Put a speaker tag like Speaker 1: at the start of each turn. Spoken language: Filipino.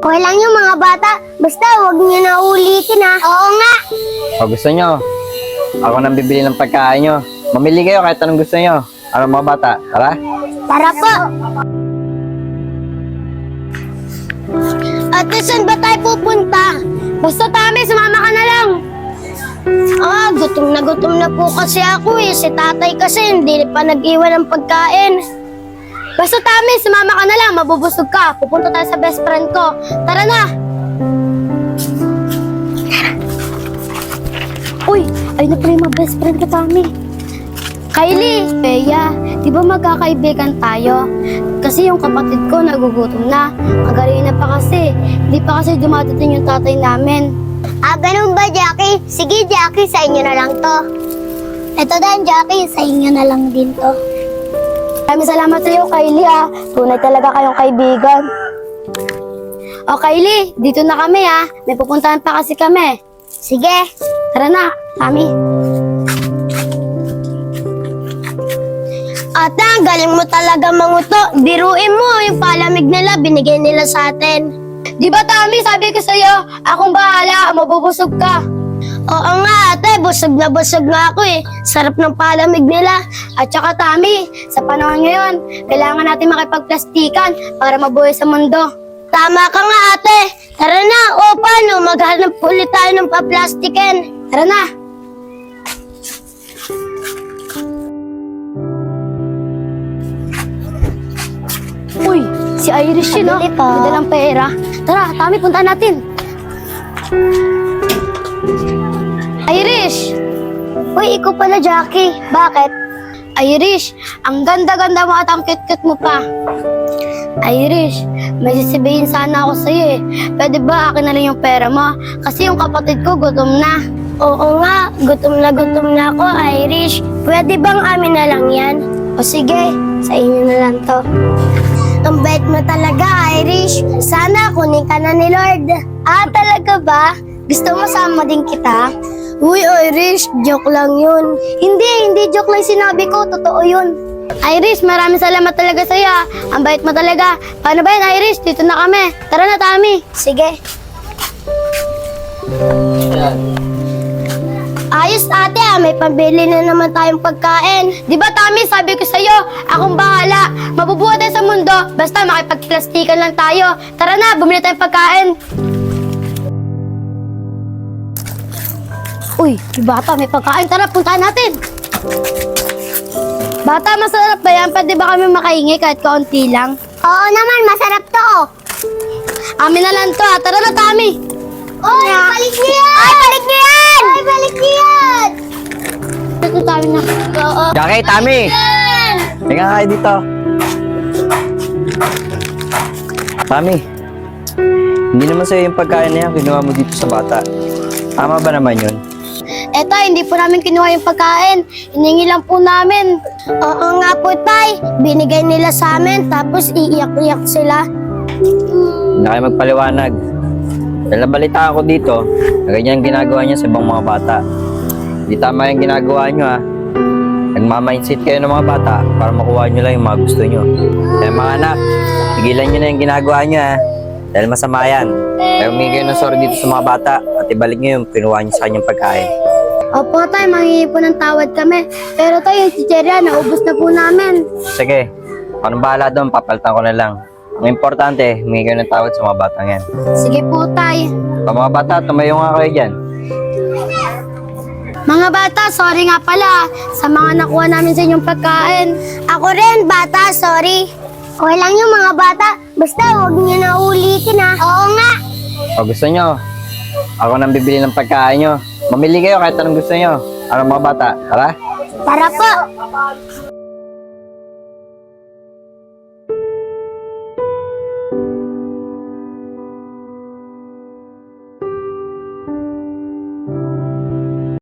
Speaker 1: Okay lang yung mga bata. Basta huwag niyo na ulitin ha. Oo nga.
Speaker 2: O gusto nyo, ako nang bibili ng pagkain nyo. Mamili kayo kahit anong gusto nyo. Ano mga bata, tara?
Speaker 1: Tara po. Ate, saan ba tayo pupunta? Basta Tami, sumama ka na lang. Gutom na po kasi ako eh. Si tatay kasi hindi pa nag-iwan ng pagkain. Basta Tami, sumama ka na lang. Mabubusog ka. Pupunta tayo sa best friend ko. Tara na. Uy, ayun na pala yung mga best friend ko, Tami. Kylie, Bea, di ba magkakaibigan tayo? Kasi yung kapatid ko nagugutom na. Magaling na pa kasi. Hindi pa kasi dumadating yung tatay namin. Ganun ba, Jackie? Sige, Jackie, sa inyo na lang to. Ito din, Jackie, sa inyo na lang din to. Maraming salamat sa iyo, Kylie, Tunay talaga kayong kaibigan. O, Kylie, dito na kami, May pupuntahan pa kasi kami. Sige, tara na, Tami. Ate, ang galing mo talaga manguto. Biruin mo, yung palamig nila, binigay nila sa atin. Di ba, Tami, sabi ko sa'yo, akong bahala, mabubusog ka. Oo nga, ate, busog na ako eh. Sarap ng palamig nila. At saka, Tami, sa panahon ngayon, kailangan natin makipagplastikan para mabuhay sa mundo. Tama ka nga, ate. Tara na, o paano, maghanap ulit tayo ng paplastikin. Tara na. Uy, si Irish yun, May dalang pera. Tara, Tami, punta natin. Irish! Uy, ikaw pala, Jackie. Bakit? Irish, ang ganda-ganda mo at ang cute-cute mo pa. Irish, may sasabihin sana ako sa'yo eh. Pwede ba akin na lang yung pera mo? Kasi yung kapatid ko gutom na. Oo nga, gutom na ako, Irish. Pwede bang amin na lang yan? O sige, sa inyo na lang to. Ang bait mo talaga, Irish. Sana kunin ka na ni Lord. Talaga ba? Gusto mo sama din kita? Uy, Irish, joke lang yun. Hindi joke lang sinabi ko. Totoo yun. Irish, maraming salamat talaga sa'yo. Ang bait mo talaga. Paano ba yan, Irish? Dito na kami. Tara na, Tami. Sige. Ayos, ate, may pambili na naman tayong pagkain. Di ba, Tami, sabi ko sa'yo, akong bahala. Mabubuhay tayo sa mundo, basta makipagplastikan lang tayo. Tara na, bumili tayong pagkain. Uy, bata, may pagkain. Tara, puntahan natin. Bata, masarap ba yan? Pwede ba kami makahingi kahit kaunti lang? Oo naman, masarap to. Amin na lang to, Tara na, Tami. Oy, balik niyo yan! Ay, balik niyo yan! Ay, balik niyo yan! Ito, Tami na. Oo.
Speaker 2: Jackie, Tami! Tingnan kayo dito. Tami, hindi naman sa'yo yung pagkain na yan kinuha mo dito sa bata. Tama ba naman yun?
Speaker 1: Eto, hindi po namin kinuha yung pagkain. Hiningi lang po namin. Oo nga po, Tay. Binigay nila sa amin, tapos iiyak-iyak sila.
Speaker 2: Hindi na kayo magpaliwanag. Dahil nabalitaan ko dito, na ganyan ginagawa niya sa ibang mga bata. Hindi tama yung ginagawa niyo Nagmamindset kayo ng mga bata para makuha niyo lang yung mga gusto niyo. Kaya mga anak, tigilan niyo na yung ginagawa niyo Dahil masama yan. Kaya humingi kayo ng sorry dito sa mga bata at ibalik niyo yung kinuha niyo sa kanyang pagkain.
Speaker 1: Opo, Tay, manghingi po ng tawad kami. Pero Tay, yung chicherya, naubos na po namin.
Speaker 2: Sige, kung bahala doon, papalitan ko na lang. Ang importante, humingi kayo ng tawad sa mga batang yan.
Speaker 1: Sige po, Tay.
Speaker 2: Mga bata, tumayo nga kayo dyan.
Speaker 1: Mga bata, sorry nga pala sa mga nakuha namin sa inyong pagkain. Ako rin, bata, sorry. Okay lang yung mga bata. Basta huwag niyo na ulitin Oo nga.
Speaker 2: O gusto nyo, ako nang bibili ng pagkain nyo. Mamili kayo kahit anong gusto nyo. Ano mga bata, tara?
Speaker 1: Tara po.